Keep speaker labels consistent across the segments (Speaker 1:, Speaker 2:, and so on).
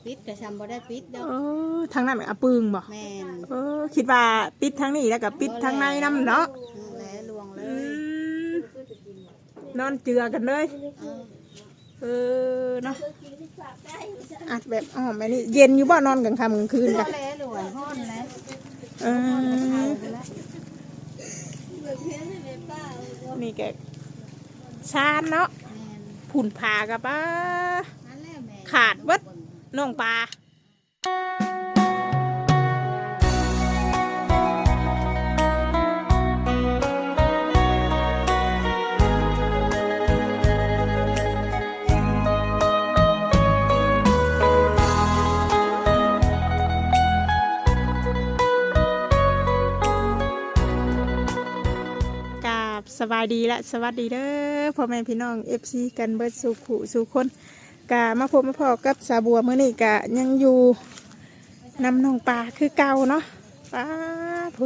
Speaker 1: ปิดแต่ซ้ำบ่ได้ปิดดอก
Speaker 2: ทางนั้นอะปึงบ่
Speaker 1: แม่น
Speaker 2: คิดว่าปิดทางนี้แล้วก็ปิดทางในน้ำเนาะ
Speaker 1: แล้วลวงเลย
Speaker 2: นอนเจือกันเลยเนาะอัดแบบแบบนี้เย็นอยู่บ่นอนกลางค่ำกลางคืนกัน
Speaker 1: แล้วลวงฮ้อนแล้ว
Speaker 2: นี่แกชานเนาะผุ่นผากับป้าขาดวัดน้องปลา สบายดีและสวัสดีเด้อพ่อแม่พี่น้อง FC กันเบิดสู่ขู่สู่คนกะมาพบมาพอกับสาบัวมื้อนี้กะยังอยู่นำน้องปลาคือเก่าเนาะปลาพุด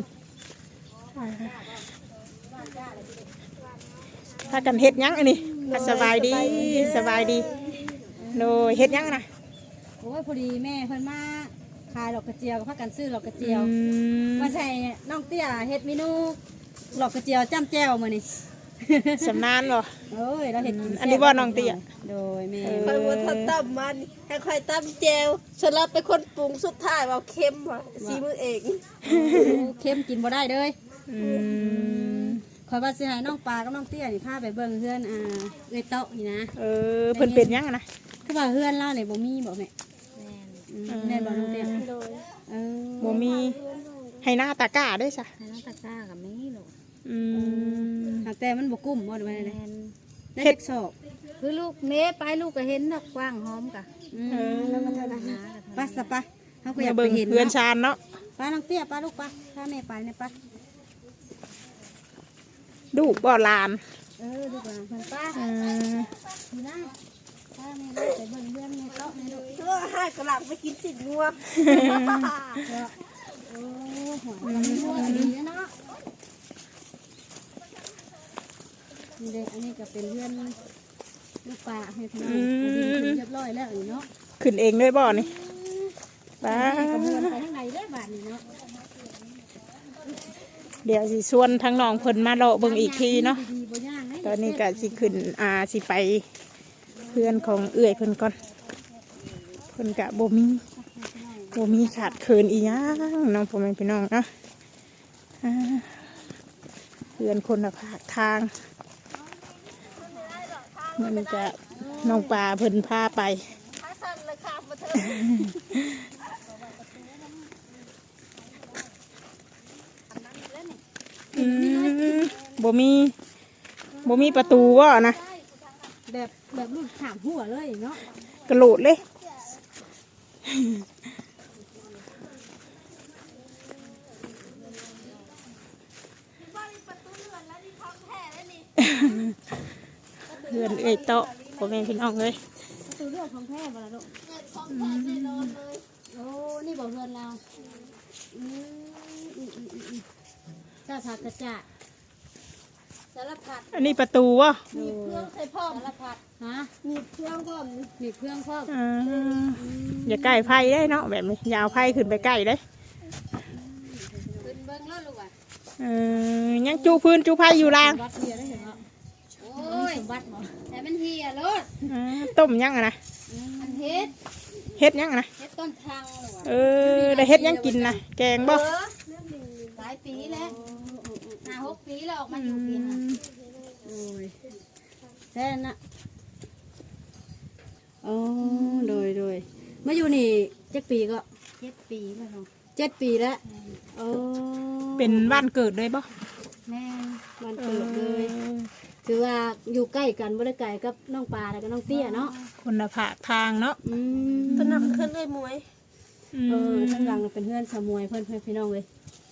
Speaker 2: ถ้ากันเฮ็ดยังอันนี้สบายดีสบายดีโดยเฮ็ดยังนะ
Speaker 1: โอ้ยพอดีแม่เพิ่นมาขายดอกกระเจียวกับพักกันซื้อดอกกระเจียวมาใส่น้องเตี้ยเฮ็ดเมนูหลอกกระเจียวจ้ำแจ่วมานี่
Speaker 2: สำนานบ่
Speaker 1: เอ้ยเราเห็น
Speaker 2: อันนี้บ่น้องเตี้ย
Speaker 1: โดยแม่
Speaker 3: คอยว่าทำตั้มมันให้คอยตั้มแจวฉันรับเป็นคนปรุงสุดท้ายว่าเค็มว่ะซีมือเอง
Speaker 1: เค็มกินบ่ได้เลยคอยว่าสิให้น้องปลากับน้องเตี้ยนี่พาไปเบิ่งเฮือนเอ้ยโต๊ะนี่นะ
Speaker 2: เพิ่นเป็นยังนะ
Speaker 1: คือว่าเฮือนเราเนี่ยบ่มีบ่แม่แม่นบ่น้องเตี้ย
Speaker 2: บ่มีให้หน้าตะกร้าได้ซะ
Speaker 1: ให้หน้าตะกร้ากับมีโลดแต่มันบกุ้มบ่ได้เลยได้เฮ็ดสอบคือลูกเมย์ไปลูกก็เห็นดอกกว้างหอมกะแล้วก็ทานอาหารไปสปะเขาก็อยากไปเห็น
Speaker 2: เพื่อนชานเนาะ
Speaker 1: ป้าน้องเตี้ยป้าลูกป้าถ้าแม่ไปเนี่ยป้า
Speaker 2: ดูบ่ลาน
Speaker 1: ดูก่อนเพื่อนป้าดีนะป้าแม่ไปเบิ่งเพื่อนแม่โต๊ะแม่ลูก
Speaker 3: ให้กระหล่ำไปกินสิ่งงัว
Speaker 1: โอ้หัวดีเนาะนี่เด็กอันนี้ก็เป็นเพื่อนลูกปลาให้พี่น้องเรียบร้อยแล้วเนาะ
Speaker 2: ขึ้นเองด้วยบ่นี่ป้า
Speaker 1: เพื่อนไปทางไหนได้บาทนี่เนาะ
Speaker 2: เดี๋ยวสิชวนทั้งน้องเพิ่นมาเลาะเบิ่งอีกทีเนาะตอนนี้ก็สิขึ้นสิไปเพื่อนของเอื้อยเพิ่นก่อนเพิ่นกะบ่มีขาดเคินอีหยังน้องพ่อแม่พี่น้องเนาะเพื่อนคนละภาคทางมันจะน้องปลาเพิ่นพาไปบ่มีประตูวะนะ
Speaker 1: แบบลูกถามหัวเลยเนาะ
Speaker 2: กระโดดเลยเพื่อนเอ้ยโตพ่อแม่พี่น้องเลย
Speaker 1: ตัวเรื่องของแท้บ่ล่ะลูกโอ้นี่บ่เพื่อนเราจ้าผักกระจาดสารพัด
Speaker 2: อันนี้ประตูวะ
Speaker 3: มีเครื่องใส่พ่อ
Speaker 1: สารพัดฮะ
Speaker 3: มีเครื่องพ่อ
Speaker 1: มีเครื่องพ่อ
Speaker 2: อย่าใกล้ไผ่ได้เนาะแบบนี้ยาวไผ่ขึ้นไปใกล้ได้
Speaker 1: ขึ้นเบิ้งแล้วลูกอ่ะ
Speaker 2: ยังจูพื้นจูไผ่อยู่ล่าง
Speaker 1: วัดเฮียได้เห็นไหมโอ้ยวัดหมดแต่มันเฮียรถ
Speaker 2: ต้มยังนะ
Speaker 1: มันเ
Speaker 2: ฮ็ดยังนะ
Speaker 1: เฮ็ดต้นทาง
Speaker 2: ได้เฮ็ดยังกินนะแกงบ่
Speaker 1: หลายปีแล้ว5-6 ปีแล้วออกมาอยู่ปีนะโอ้ยแท้น่ะอ๋อโดยมาอยู่นี่7 ปีก็7 ปีแล้ว7 ปีแล้ว
Speaker 2: เป็นบ้านเกิดเลยบ่
Speaker 1: แม่บ้านเกิดเลยคือว่าอยู่ใกล้กันบ่ได้ไกลกับน้องปลาแล้วก็น้องเตี้ยเนาะ
Speaker 2: คนละภาคทางเนาะ
Speaker 3: ต้นน้ำขึ้นเลยมวย
Speaker 1: ทั้งหลังเป็นเพื่อนสมวยเพื่อนพี่น้องเลย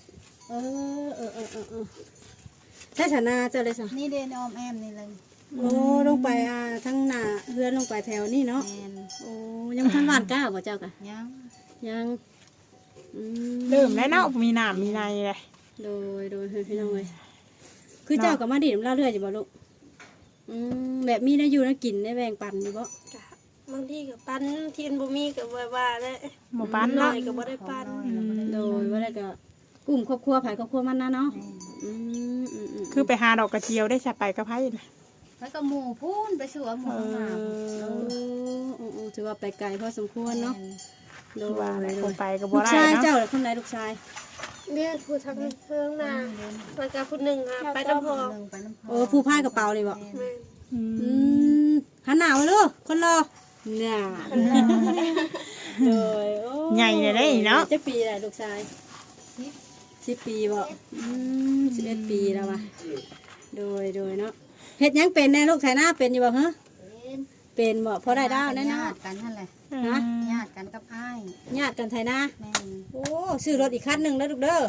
Speaker 1: ใช่ฐานะเจอเลยสิ
Speaker 3: นี่เดนออมแอมนี่เลย
Speaker 1: โอ้ลงไปทั้งหน้าเพื่อนลงไปแถวนี่เนาะโอ้ยังทันหวานก้าวบ่เจ้ากะยัง
Speaker 2: เริ่มแล้วเนาะมีน้ำมีในเลย
Speaker 1: โดยพี่น้องเลยคือเจ้ากับมาดิบเล่าเรื่อยจะบอกลูกแบบมีได้อยู่นะกินได้แบ่งปันอยู่บ่
Speaker 3: บางทีก็ปั้นทีนบ่มีก็ว่าๆแหละ
Speaker 2: บ่ปาน
Speaker 3: น้อ
Speaker 2: เนาะ
Speaker 3: ยก็บ่ได้ปั้น
Speaker 1: โดยว่าได้ก็กลุ่มครอบครัวไผครอบครัวมันนะเนาะ
Speaker 2: คือไปหาดอกกระเจียวได้สะไปกับไผน่ะ
Speaker 4: แล้วก็หมู่พูนไปสู่หมู่ข้างหน้า
Speaker 1: ถือว่าไปไกลพอสมควรเนาะโดย
Speaker 2: ว่าอะไรคงไปก็
Speaker 1: ลู
Speaker 2: บ่
Speaker 1: ก
Speaker 2: ได้
Speaker 1: ชาย
Speaker 2: เนาะ
Speaker 1: เจ้าหรือคนไหนลูกชาย
Speaker 3: เนี่ยผู้ทางเทิงนาแล้วก็ผู้หนึงอะไปน้ำพอง
Speaker 4: ไปน้ำพอ
Speaker 1: ผู้พายกระเป๋านี่บ่
Speaker 3: แม่
Speaker 2: อืม
Speaker 1: หันหน้ามาลูกคนรอเนี่ยโดย
Speaker 2: ใหญ่เลยได้เนาะ
Speaker 1: จะปีอะไรลูกชาย10 ปีบ่11 ปีแล้วว่ะโดยเนาะเฮ็ดหยังเป็นแน่ลูกชายหน้าเป็นอยู่บ่ฮะเป็นบ่พอได้ดาวแน่เนาะ
Speaker 4: ญาติกันนั่นแหละ
Speaker 1: ฮะ
Speaker 4: ญาติกันกับอ้าย
Speaker 1: ญาติกันไทยนะ
Speaker 4: แม่น
Speaker 1: โอ้ซื้อรถอีกคันหนึ่งแล้วลูกเด้อ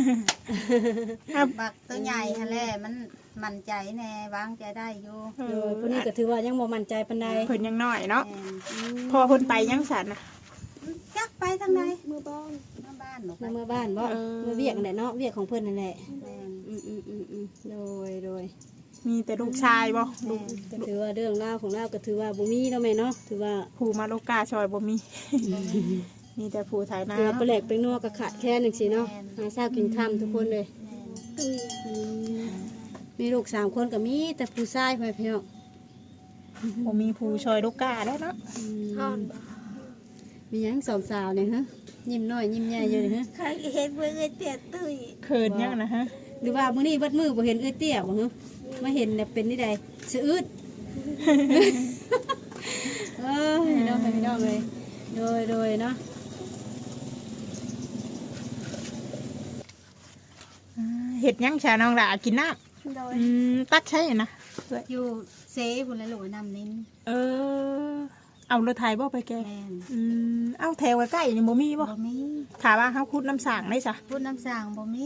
Speaker 4: บักตัวใหญ่ฮะแหละมันมั่นใจแน่วางใจได้อยู่
Speaker 1: โดยคนนี้ก็ถือว่ายังบ่มั่นใจปานใด
Speaker 2: เพิ่นยังน้อยเนาะ
Speaker 4: แม่น
Speaker 2: พอเพิ่นไปยังสันน่ะ
Speaker 4: จักไปทางไหน
Speaker 3: มือบ้อง
Speaker 4: มาบ้านหนูไป
Speaker 1: นำมาบ้านบ่มาเวียกนั่นแหละเนาะเวียกของเพิ่นนั่นแหละ
Speaker 4: แม่น
Speaker 1: โดย
Speaker 2: มีแต่ลูกชายบ่ลูก
Speaker 1: ก็ถือว่าเรื่องราวของเราก็ถือว่าบ่มีเนาะแม่เนาะถือว่า
Speaker 2: ผู้มาโลกาชอยบ่มี มีแต่ผู้ไถนา
Speaker 1: ถือว่าไปแหลกไปนัวก็ขาดแค่นึงสิเนาะหาเช้ากินค่ำทุกคนเลยมีลูก3คนก็มีแต่ผู้ชายพ่อพี่น้อง
Speaker 2: บ่มีผู้ชอยโลกาแล้วเนาะ
Speaker 3: ฮอนบ่
Speaker 1: มีหยังสองสาวเนี่ยฮะยิ้มน้อยยิ้มใหญ่อยู่นี่ฮะ
Speaker 3: ใครเห็นเบิ่งไอ้เตี้ยตุ้ย
Speaker 2: เขินยังนะฮะ
Speaker 1: หรือว่ามื้อนี้เบิดมื้อบ่เห็นเอ้ยเตี้ยบ่ฮะมาเห็นเนี่ยเป็นนี่ใดสะอึด น้องพี่น้องเลยโดยเนาะ
Speaker 2: เฮ็ดยังชาน้องหลากินน้ำ
Speaker 3: โดย
Speaker 2: ตักใช่นะ
Speaker 4: อยู่เซพุ่นแล้วลูกน้ำนิ้น
Speaker 2: เออ เอารถไถบ่ไปแก
Speaker 4: แม่น
Speaker 2: เอาแถวใกล้ๆนี่บ่มีบ่
Speaker 4: บ่มี
Speaker 2: ถามว่าเฮาขุดน้ำสางได้ซะ
Speaker 4: พูดน้ำสางบ่มี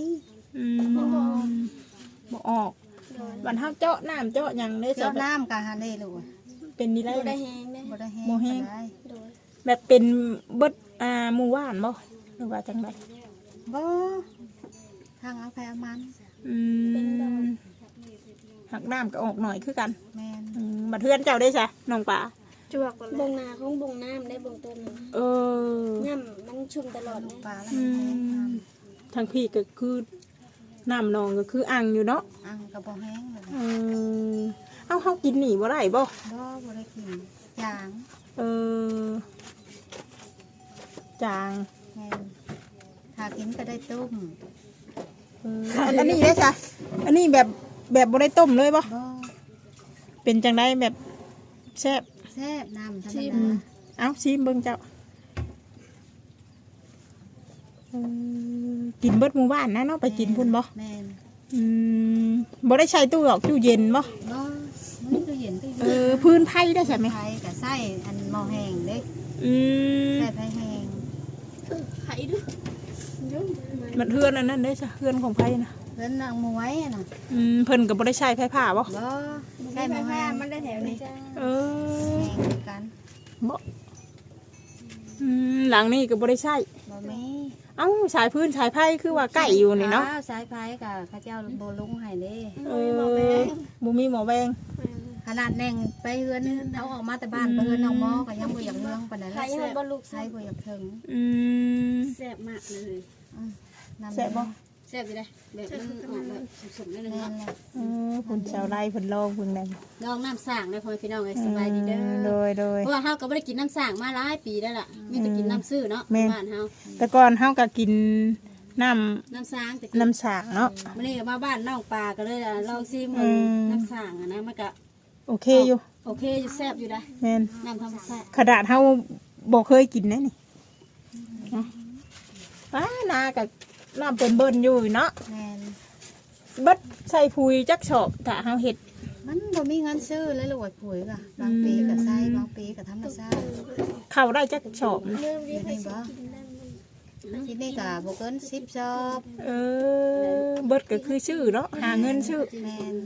Speaker 2: บ่ออกวันเฮาเจาะน้ำเจาะหยังได้ซะ
Speaker 4: เจ้าน้ำกะหาได้ลูก
Speaker 2: เป็นนี่ได้
Speaker 3: บ่ได้
Speaker 2: นะ
Speaker 3: แฮงเด้
Speaker 4: บ่ได้แห้ง
Speaker 2: บ่แห้ง
Speaker 4: ได้
Speaker 3: โดย
Speaker 2: แบบเป็นเบิดหมู่บ้านบ่หรือว่าจังได
Speaker 4: บ่ทางเอาไปเอามัน
Speaker 2: หักน้ำก็ออกหน่อยคือกัน
Speaker 4: แม่น
Speaker 2: บัดเทือนเจ้าได้ซะน้องป่า
Speaker 3: จวกบ่บงนาของบงน้ำได้บงต้นน่ะ
Speaker 2: เออ
Speaker 3: ย่ำมันชุ่มตลอดเลย
Speaker 4: ปลาแล้วมันแห้งน้
Speaker 2: ทางพี่ก็คือน้ำนองก็คืออ่างอยู่เนาะ
Speaker 4: ำอังก็บ่แห้งเลย
Speaker 2: เอาเฮากินหนีบ่ได้บ่
Speaker 4: บ่ได้กินจาง
Speaker 2: เออจาง
Speaker 4: แม่นถ้ากินก็ได้ต้ม
Speaker 2: อันนี้ได้จ้ะอันนี้แบบบ่ได้ต้มเลยบ่
Speaker 4: บ่
Speaker 2: เป็นจังได้แบบแซ่บ
Speaker 4: แซ่บน้ำธรรมดา
Speaker 2: เอาชิมเบิ่งเจ้ากินเบิดหมู่บ้านนะเนาะไปกินพุ่นบ่
Speaker 4: แม่น
Speaker 2: บ่ได้ใช้ตู้หรอกตู้เย็นบ่
Speaker 4: บ่มันก็เย็นก็อยู่
Speaker 2: พื้นไผ่ได้ใช่ไหม
Speaker 4: ไผก็ใส่อันหม้อแห้งเด้
Speaker 2: อืม
Speaker 4: ใส่ไผแห้ง
Speaker 3: ไข่ด้วย
Speaker 2: มันเฮือนอันนั้นได้จ้ะเฮือนของไผ่นะ
Speaker 4: เพิ่นนางมวยน่ะ
Speaker 2: เพิ่นก็บ่ได้ใช้ไผ่ผ้าบ่
Speaker 4: บ่ใส่หม้อแห้ง
Speaker 3: มันได้แถวนี้
Speaker 2: เออ
Speaker 4: แห้งกัน
Speaker 2: บ่หลังนี้ก็บ่ได้ใช้
Speaker 4: บ่มี
Speaker 2: เอ้าสายพื้นสายไผ่คือว่าใกล้อยู่นี่เนาะ
Speaker 4: สายไผก็เขาเจ้าบ่ลงให้เด้
Speaker 2: บ่มีหมอแวง
Speaker 4: ขนาดแน่งไปเฮือนเอาออกมาแต่บ้านไปเฮือนน้องหมอก็ยังบ่อยากเมืองปานนั้น
Speaker 3: ไข่ยังบ่ลูก
Speaker 4: ใส่บ่อยากถึง
Speaker 1: แซ่บมากเลย
Speaker 4: น้ำ
Speaker 2: แซ่บบ่
Speaker 1: แซ่บอยู่ได้แบบมันออกแบบสมๆเลย
Speaker 4: แม่
Speaker 1: เนาะ
Speaker 4: นเลย
Speaker 2: เพิ่นชาวไร่เพิ่นลองเพิ่นนั่น
Speaker 1: ลองน้ำสร้างได้พ่อพี่น้องไงสบายดีเด้
Speaker 2: โด
Speaker 1: อย
Speaker 2: โดย
Speaker 1: เพราะว่าเฮาก็บ่ได้กินน้ำสร้างมาหลายปีแล้วล่ะมีแต่กินน้ำซื่อเนาะ
Speaker 2: แม่น
Speaker 1: บ้านเฮา
Speaker 2: แต่ก่อนเฮาก็กินน้ำ
Speaker 1: น้ำสร้างแต่
Speaker 2: น้ำสางเนาะ
Speaker 1: มื้อนี้ก็มาบ้านน้องปลาก็เลยลองซิมน้ำสร้างอะนะมันก็
Speaker 2: โอเคอยู่
Speaker 1: โอเคอยู่แซ่บอยู่ได้
Speaker 2: แม่น
Speaker 1: น้ำธรรมชาติ
Speaker 2: ขนาดเฮาบ่เคยกินนะนี่เนาะนากับน้ำเป็นเบิ่นอยู่เนาะ
Speaker 4: แม่น
Speaker 2: เบิดใส่พุยจักชอบถ้าเฮาเฮ็ด
Speaker 4: มันบ่มีเงินซื้อเลยลูกไอ้ปุ๋ยก็บางปีก็ใส่บางปีก็ธรรมชาติ
Speaker 2: เข้าได้จักชอบ
Speaker 3: เริ่ม
Speaker 4: อ
Speaker 3: เรีย
Speaker 4: ยู่
Speaker 3: ก
Speaker 4: นี่
Speaker 3: ให้
Speaker 4: บ่
Speaker 3: กินได้มัน
Speaker 4: ที่นี่ก็บ่เกิน10ซอบ
Speaker 2: เบิดก็คือชื่อเนาะหาเงินชื่อ
Speaker 4: แม่น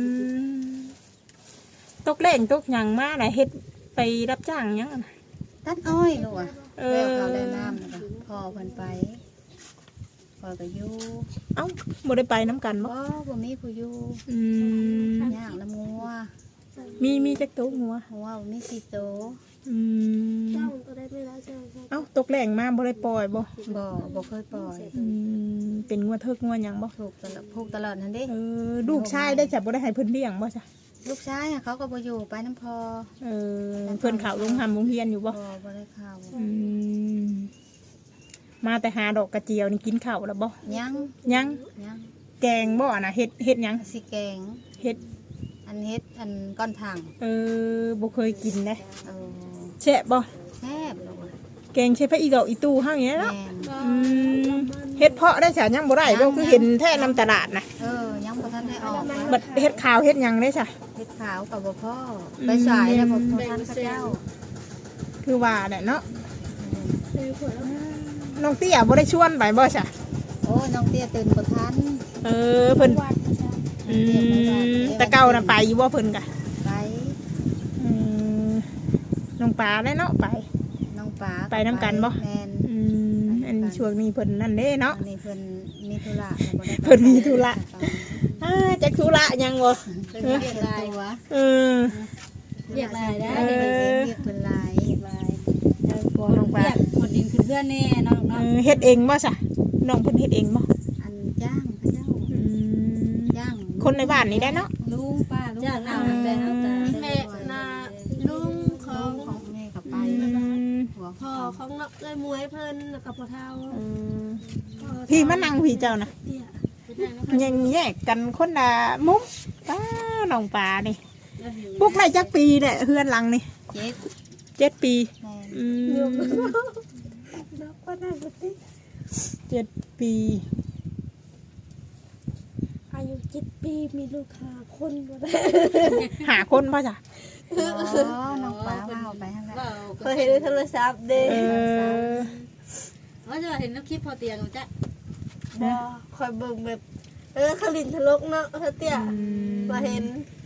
Speaker 2: ตกแรงตกหยังมาน่ะเฮ็ดไปรับจ้างหยังอะน่ะ
Speaker 4: ตัดอ้อยลูกอ่ะ
Speaker 2: เออ
Speaker 4: แล้วเขาได้น้ำแล้วก็พ่อเพิ่นไปพ่อก็อยู่
Speaker 2: เอ้าบ่ได้ไปน้ำกันบ่
Speaker 4: บ่มีผู้อยู่
Speaker 2: อืม
Speaker 4: ย่างน้ำงัว
Speaker 2: มีจักโตวงัว
Speaker 4: หัวบ่มี4โตว
Speaker 2: อืม
Speaker 3: เจ้าตัวได้ไม่แล้วเจ้า
Speaker 2: เอ้าตกแรงมาบ่ได้ปล่อยบ่
Speaker 4: บ่เคยปล่อย
Speaker 2: เป็นงัวเทิกงัวหยังบ่
Speaker 4: ผูกตลอดนั่นเด้
Speaker 2: ลูกชายได้จับบ่ได้ให้เพิ่นเลี้ยงบ่จ้ะ
Speaker 4: ลูกชายเขาก็บ่อยู่ไปน้ำพอ
Speaker 2: เพิ่นเข้าโรงโรงเรียนอยู่บ่
Speaker 4: บ่ได้เข้า
Speaker 2: มาแต่หาดอกกระเจียวนี่กินข้าวแล้วบ่
Speaker 4: ยัง
Speaker 2: ยังแกงบ่น่ะเฮ็ดหยัง
Speaker 4: สิแกง
Speaker 2: เฮ็ด
Speaker 4: อันเฮ็ดอันก้อนถัง
Speaker 2: บ่เคยกินเด้
Speaker 4: เออ
Speaker 2: แซ่บบ่
Speaker 4: แซ่บลูก
Speaker 2: แกงใช้พระอีดอกอีตู้เฮาอย่างนี้เนาะ
Speaker 4: แม่น
Speaker 2: เฮ็ดเพาะได้จ้ะยังบ่ได้บ่คือเห็นแท้นำตลาดน่ะ
Speaker 4: ยังบ่ทันได้ออก
Speaker 2: บัดเฮ็ดขาวเฮ็ดหยังได้จ้ะ
Speaker 4: เฮ็ดขาวกับบ่พ่อไปสายแล้วบ่ทันเขาเจ้า
Speaker 2: คือว่าแหละเนาะน้องเตี้ยบ่ได้ชวนไปบ่จ้ะ
Speaker 4: โอ้น้องเตี้ยตื่นบ่ทัน
Speaker 2: เพิ่นแต่เก่าน่ะไปอยู่บ่เพิ่นกะ
Speaker 4: ไป
Speaker 2: น้องปลาได้เนาะไป
Speaker 4: น้องป๋า
Speaker 2: ไปนำกันบ่
Speaker 4: แม่น
Speaker 2: อันช่วงนี้เพิ่นนั่นเด้เนาะ
Speaker 4: อันนี้เพิ่นมีธุระ
Speaker 2: เพิ่นมีธุระ จักธุระหยังบ่
Speaker 4: เพิ่นเรียกลายวะ
Speaker 1: เรียกลายได้
Speaker 4: เรียกเพิ่นลาย
Speaker 2: บ่น้องปลา
Speaker 1: เรียกคนดินขึ้นเพื่อนแน่เนาะเนาะ
Speaker 2: เฮ็ดเองบ่จ้ะน้องเพิ่นเฮ็ดเองบ่
Speaker 4: อันจ้างพระเจ้าจ้าง
Speaker 2: คนในบ้านนี้ได้เนาะ
Speaker 4: ลุงป้าลุง
Speaker 1: จ้างเอาแต่เอาแต่
Speaker 3: แม่นาลุงของ
Speaker 4: ของแม่กับไปหัว
Speaker 3: พ่อของเนาะเลยมวยเพิ่นแล้วกับพ่อเฒ่า
Speaker 2: พี่มานั่งพี่เจ้านะ
Speaker 3: เตี้ย
Speaker 2: ยังแยกกันคนละมุมป้าน้องปลานี่พวกไรจักปีเนี่ยเฮือนหลังนี่ 7 ปี
Speaker 4: แม่
Speaker 3: นับว่าได้บ่ติ
Speaker 2: 7 ปี
Speaker 3: อายุ7 ปีมีลูก5 คนบ่ได้
Speaker 2: หาคนป่ะจ้ะ
Speaker 4: น้องป้าว่าเอาไปทางนั้น
Speaker 3: เคยเห็นในโทรศัพท์เด้
Speaker 1: ว่าจะเห็นน้ำคลิปพอเตียงจ้ะ
Speaker 3: บ่คอยเบิ่งแบบเขาลินทะลกเนาะเตี้ยมาเห็น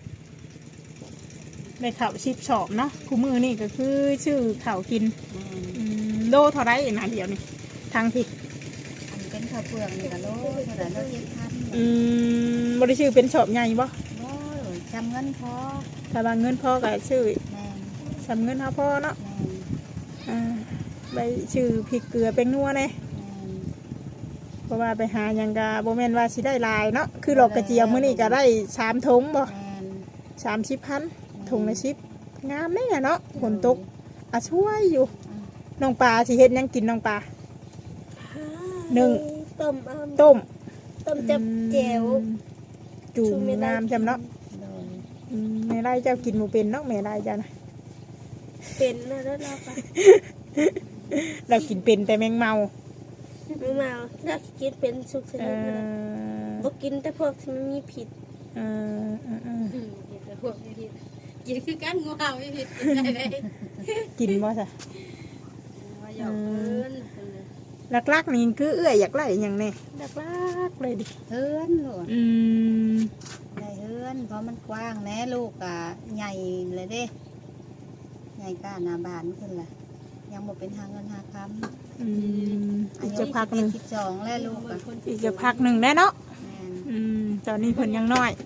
Speaker 2: ได้ข่าวชิบชอบเนาะคู่มือนี่ก็คือชื่อข่าวกินโลเท่าไรนะเดี๋ยวนี่ทางผิด
Speaker 4: อันเป็นข้าวเปลือกนี่ก็โลเท่าไหร่โล7,000
Speaker 2: บริชื่อเป็นชอบใหญ่บ่
Speaker 4: โอ้ยจำเงินพอ
Speaker 2: ถ้าบางเงินพ่อก็ชื่อ
Speaker 4: แม่
Speaker 2: สำเงินเท่าพ่อเนาะ
Speaker 4: แม่
Speaker 2: ใบชื่อพริกเกลือเป็นนัวเนี่ย
Speaker 4: แม่
Speaker 2: เพราะว่าไปหาหยังกะโบแมนว่าสิได้หลายเนาะคือหลอกกระเจียวมื้อนี้ก็ได้3 ถุงบ่
Speaker 4: แม่
Speaker 2: 30,000ถุงละ10งามแน่เนาะฝนตกช่วยอยู่น้องปลาสิเฮ็ดหยังกินน้องปลา นึ่ง
Speaker 3: ต้ม
Speaker 2: ต้ม
Speaker 3: จับแจ่ว
Speaker 2: จูมงามจำเนาะ
Speaker 4: โดย
Speaker 2: แม่ได้เจ้ากินหมูเป็นเนาะแม่ได้เจ้านะ
Speaker 3: เป็นนะแล้วเราก็
Speaker 2: เรากินเป็นแต่แมงเมา
Speaker 3: ไม่มาถ้ากินเป็นสุกช
Speaker 2: เอ
Speaker 3: นิดนั้น
Speaker 2: อ
Speaker 3: บ่กินแต่พวกที่มันมีผิด
Speaker 2: เออ
Speaker 1: พวกนี้กินคือกันงูเห่าไม่ผิดกินได้เลย
Speaker 2: กินบ่จ้ะ
Speaker 1: ว่าหยอกเพิ่น
Speaker 2: ลักๆนี่คือเอื้อยอยากไล่อย่างแนี้ลักๆเลยดิ
Speaker 4: เฮือนลูก
Speaker 2: ม
Speaker 4: ได้เฮือนเพราะมันกว้างแน่ลูกอ่ะใหญ่เลยเด้ใหญ่ก้าหน้าบ้านขึ้นล่ะยังบ่เป็นหาเงินหาคำ
Speaker 2: อีกจะพักหนึ่ง
Speaker 4: 12แล้วลูกอ่ะ
Speaker 2: อีกจะพักหนึ่งได้เนาะ
Speaker 4: แม่น
Speaker 2: ตอนนี้เพิ่นยังน้อย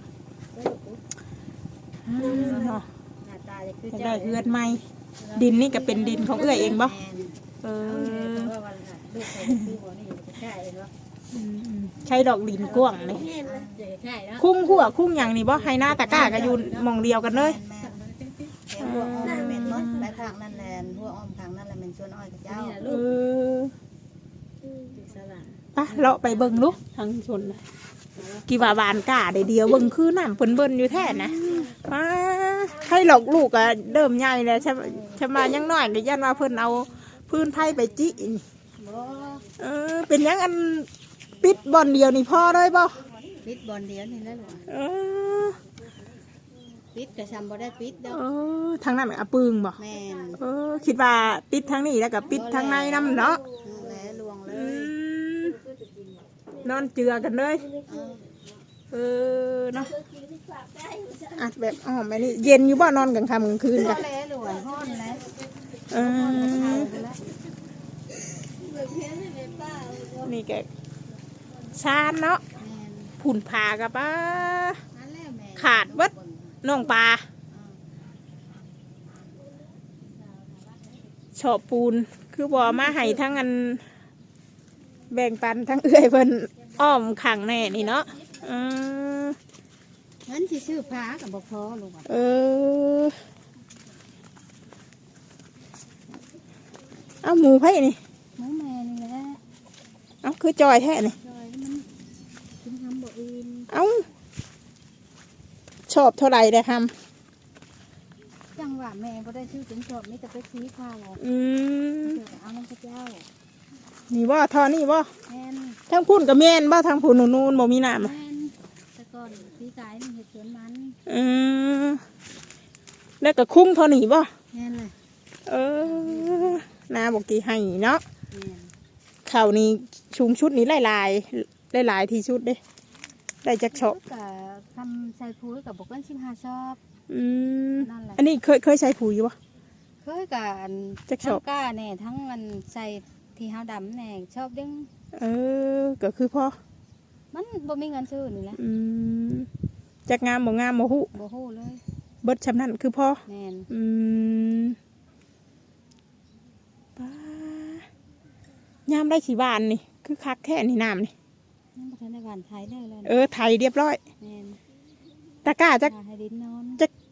Speaker 2: เนาะ
Speaker 1: หน้าตาจะคือ
Speaker 2: จะ
Speaker 1: เจ้า
Speaker 2: ได้เอื้อนไหมดินนี่ก็เป็นดินของเอื้อยเองบ่
Speaker 4: แม่น
Speaker 2: เออ
Speaker 1: ว่าวันลูกใครคือหัวนี่จะใช่เนาะ
Speaker 2: ใช้ดอกดินกว้างเลย
Speaker 1: จะใช่เนาะ
Speaker 2: คุ้งหัวคุ้งอย่างนี่บ่ไฮหน้าตะกร้าก็อยู่หมองเดียวกันเลย
Speaker 4: แม่นแต่หัวอ้อมแม่นหมดไปทางนั้นแหละหัวอ้อมทางนั้นแหละแม่นชวนอ้อยกับเจ้า
Speaker 2: เออ
Speaker 1: สลัด
Speaker 2: ปะเราไปเบิ่งลูกทางชนน่ะกี่ว่าบานกล้าได้เดียวเบิ่งคือน้ำเปิ้นเบิ่นอยู่แท้นะป้าให้หลอกลูกอะเริ่มใหญ่แล้วใช่มายังน้อยก็ยันว่าเพิ่นเอาพื้นไผ่ไปจินี่
Speaker 4: บ่
Speaker 2: เป็นหยังอันปิดบ่อนเดียวนี่พอเลยบ่
Speaker 4: ปิดบอลเดียวนี่แหล้วลูก
Speaker 2: เออ
Speaker 4: ปิดกระชำบ่ได้ปิดดอก
Speaker 2: ทางนั้นอะปึงบ่
Speaker 4: แม่น
Speaker 2: คิดว่าปิดทางนี้แล้วก็ปิดทางในนำเนาะ
Speaker 4: แหละลวงเล
Speaker 2: อื
Speaker 4: ย
Speaker 2: มนอนเจือกันเลย เนาะอัดแบบอ้อมไปนี่เย็นอยู่บ่นอนกลางค่ำกลางคืน
Speaker 4: ก็
Speaker 2: กัน
Speaker 4: แล้วลวงฮ้อนแล้ว
Speaker 2: นี่แกชานเนาะ
Speaker 4: แม่น
Speaker 2: ผุ่นผากับป้า
Speaker 4: นั่นแหละแม่
Speaker 2: ขาดเบิดน้องปลาชอบปูนคือบ่มาให้ทั้งอันแบ่งปันทั้งเอื้อยเพิ่นอ้อมขังแน่นี่เนาะอืม
Speaker 1: งั้นสิซื้อผ้ากับบ่พอลูกอ่ะ
Speaker 2: เออเอาหมูไผ่นี่
Speaker 1: หมูแม่นี่แหละ
Speaker 2: เอาคือจอยแท้นี่
Speaker 1: จอยมันกินทำบ่อื่น
Speaker 2: เอาชอบเท่าไหร่ได้ท
Speaker 1: จังหวะแม่บ่ได้ซื้อเป็นชอบมีแต่ไปซื้อข้าวเอา
Speaker 2: ำอืม
Speaker 1: เดี๋ยวก็เอาน้ำพระเจ้า
Speaker 2: นี่บ่ทอนี่บ่
Speaker 1: แม่น
Speaker 2: ทั้งพุ่นกับแม่นบ่ทั้งพุ่นนูนๆบ่มีน้ำอะ
Speaker 1: แม่นแต่ก่อนปีกายนี่เฮ็ดสวนมัน
Speaker 2: อืมแล้วก็คุ้งเท่านี้บ่
Speaker 1: แม่นเลย
Speaker 2: เออนาบอกกี่ให้เนาะ
Speaker 1: แม่น
Speaker 2: ข้าวนี่ชุมชุดนี้หลายๆหลายๆที่ชุดเด้ได้จักชอบ
Speaker 1: ก็ทำใส่ปุ๋ยกับบ่เกิน15ชอบ
Speaker 2: อืม
Speaker 1: นั่นแหละ
Speaker 2: อันนี้เคยใส่ปุ๋ยบ่
Speaker 1: เคยกับ
Speaker 2: จักช
Speaker 1: ทั้
Speaker 2: อบ
Speaker 1: งก้าแน่ทั้งมันใส่ที่เฮาดำแน่ชอบดึง
Speaker 2: เออก็คือพอ
Speaker 1: มันบ่มีเงินซื้อนี่แหละ
Speaker 2: อืมจักงามบ่งามบ่ฮู้
Speaker 1: บ่ฮู้เลย
Speaker 2: เบิดชำนั้นคือพอ
Speaker 1: แม่น
Speaker 2: อืมป้ายามได้ขี่บ้านนี่คือคักแค่นี่น้ำนี่
Speaker 1: ยังบ่ทันได้หวานไทยเลยเลย
Speaker 2: เออไทยเรียบร้อย
Speaker 1: แม่น
Speaker 2: ตะกร้าจัก
Speaker 1: หาให้ดินนอน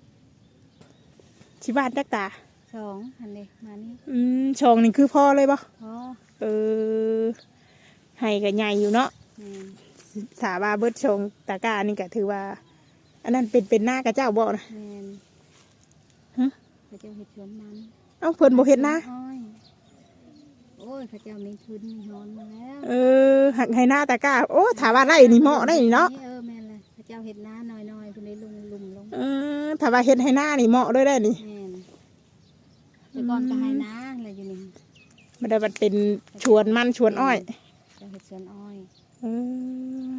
Speaker 2: ขี่บ้านจักตา
Speaker 1: 2หันเด้มานี่
Speaker 2: ช่องนี่คือพอเลยบ่
Speaker 1: พอ
Speaker 2: เออให้ก็ใหญ่อยู่เนาะ
Speaker 1: แม่น
Speaker 2: สาบาเบิดช่องตะกร้านี่ก็ถือว่า อันนั้นเป็นหน้ากระเจ้าบ่นะ
Speaker 1: แม่น
Speaker 2: ฮะ
Speaker 1: เขาเจ้าเฮ็ดสวนมัน
Speaker 2: เอ้าเพิ่นบ่เฮ็ดนะ
Speaker 1: อ้อยโอ้ยเขาเจ้ามีทุนมีฮอนมาแล้ว
Speaker 2: เออหักให้หน้าตะกร้าโอ้ถามว่าไรนี่เหมาะได้นี่เนาะ
Speaker 1: แม่นเลยเขาเจ้าเฮ็ดนาน้อยๆเพิ่นได้ลุมลง
Speaker 2: เออถามว่าเฮ็ดให้หน้านี่เหมาะด้วยได้นี่
Speaker 1: แม่นแต่ก่อนก็ให้นาอะไรอยู่นี่
Speaker 2: มันได้มันเป็นชวนมันชวนอ้อย
Speaker 1: เจ้าเฮ็ดสวนอ้อย
Speaker 2: เออ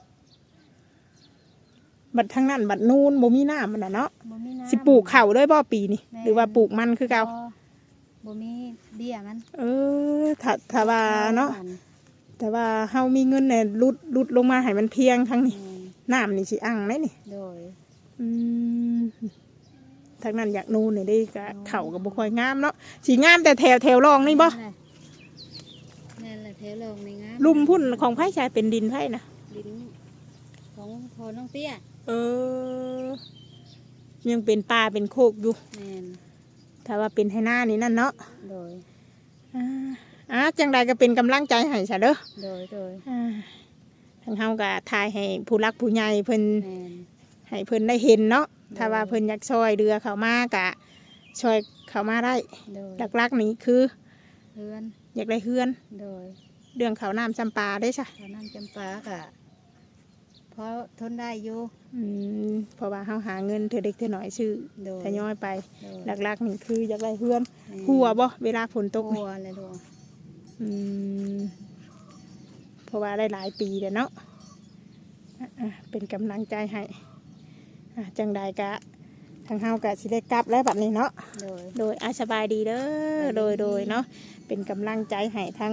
Speaker 2: บัดทางนั้นบัดนูนบ่มีน้ำมันน่ะเนาะ
Speaker 1: บ่มีน้ำ
Speaker 2: สิปลูกข้าวด้วยบ่ปีนี่หรือว่าปลูกมันคือเก่า
Speaker 1: บ่มีเบี้ยมัน
Speaker 2: เออถ้าว่าเนาะแต่ว่าเฮามีเงินเนี่ยลุดลงมาให้มันเพียงทั้งนี้
Speaker 1: แม่น
Speaker 2: น้ำนี่สิอั่งไหมนี่
Speaker 1: โดย
Speaker 2: อืมทางนั้นอยากนูนนี่ได้ก็เข่ากับบุคอยงามเนาะสีงามแต่แถวรองนี่บ่
Speaker 1: แม่นแหละแถวลงในงาม
Speaker 2: ลุ่มพุ่นของไผ่ชายเป็นดินไผ่นะ
Speaker 1: ดินของพอน้องเตี้ย
Speaker 2: เออ ยังเป็นป่าเป็นโคกอยู่
Speaker 1: แม่น
Speaker 2: ถ้าว่าเป็นให้หน้านี่นั่นเนาะ
Speaker 1: โดย
Speaker 2: จังใดก็เป็นกำลังใจให้ซะเด้อ
Speaker 1: โดย
Speaker 2: ทางเฮาก็ทายให้ผู้รักผู้ใหญ่เพิ่น
Speaker 1: แม่น
Speaker 2: ให้เพิ่นได้เห็นเนาะถ้าว่าเพิ่นอยากช่วยเรือเขามากะช่วยเขามาได้
Speaker 1: โดย
Speaker 2: หลักๆนี่คือ
Speaker 1: เพื่อน
Speaker 2: อยากได้เฮือน
Speaker 1: โดย
Speaker 2: เรื่องเขาวน้ำจำปาได้จ้ะ
Speaker 1: ตอนนั้นจำปากะเพราะทนได้อยู่
Speaker 2: เพราะว่าเขาหาเงินเธอเด็กเธอหน่อยชื่อ
Speaker 1: โดย
Speaker 2: ทยอยไป
Speaker 1: โดย
Speaker 2: หลักๆนี่คืออยากได้เฮือน
Speaker 1: แม่น
Speaker 2: หัวบ่เวลาฝนตก
Speaker 1: หั
Speaker 2: นี่
Speaker 1: วเลยดู
Speaker 2: อืมเพราะว่าได้หลายปีแล้วเนาะเป็นกำลังใจให้จังใดกะทางเฮากะสิได้กลับแล้วบัดนี้เนาะ
Speaker 1: โดย
Speaker 2: โดยสบายดีเด้อโดยเนาะเป็นกำลังใจให้ทั้ง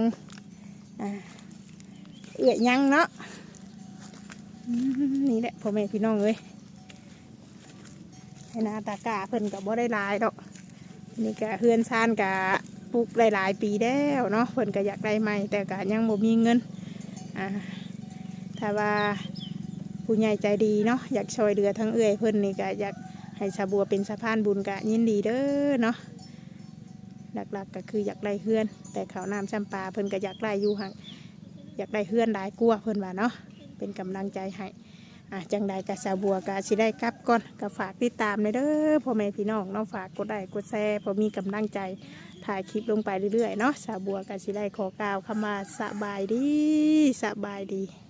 Speaker 2: เอื้อยยังเนาะนี่แหละพ่อแม่พี่น้องเอ้ยให้นาตากาเพิ่นกับบ่ได้หลายดอกนี่กะเฮือนซานกะปลูกหลายปีแล้วเนาะเพิ่นก็อยากได้ใหม่แต่กะยังบ่มีเงินถ้าว่าผู้ใหญ่ใจดีเนาะอยากช่วยเหลือทั้งเอื้อยเพิ่นนี่กะอยากให้สาบัวเป็นสะพานบุญกะยินดีเด้อเนาะหลักๆก็คืออยากได้เฮือน แต่เขาวน้ำจำปาเพิ่นก็อยากได้อยู่ห่างอยากได้เฮือนหลายกลัวาเพิ่นว่าเนาะเป็นกำลังใจให้จังใดกะสาบัวกะสิได้กลับก่อนก็ฝากติดตามเลยเด้อพ่อแม่พี่น้องเนาะฝากกดไลค์กดแชร์พอมีกำลังใจถ่ายคลิปลงไปเรื่อยๆเนาะสาบัวกะสิได้ขอกล่าวคำว่าสบายดี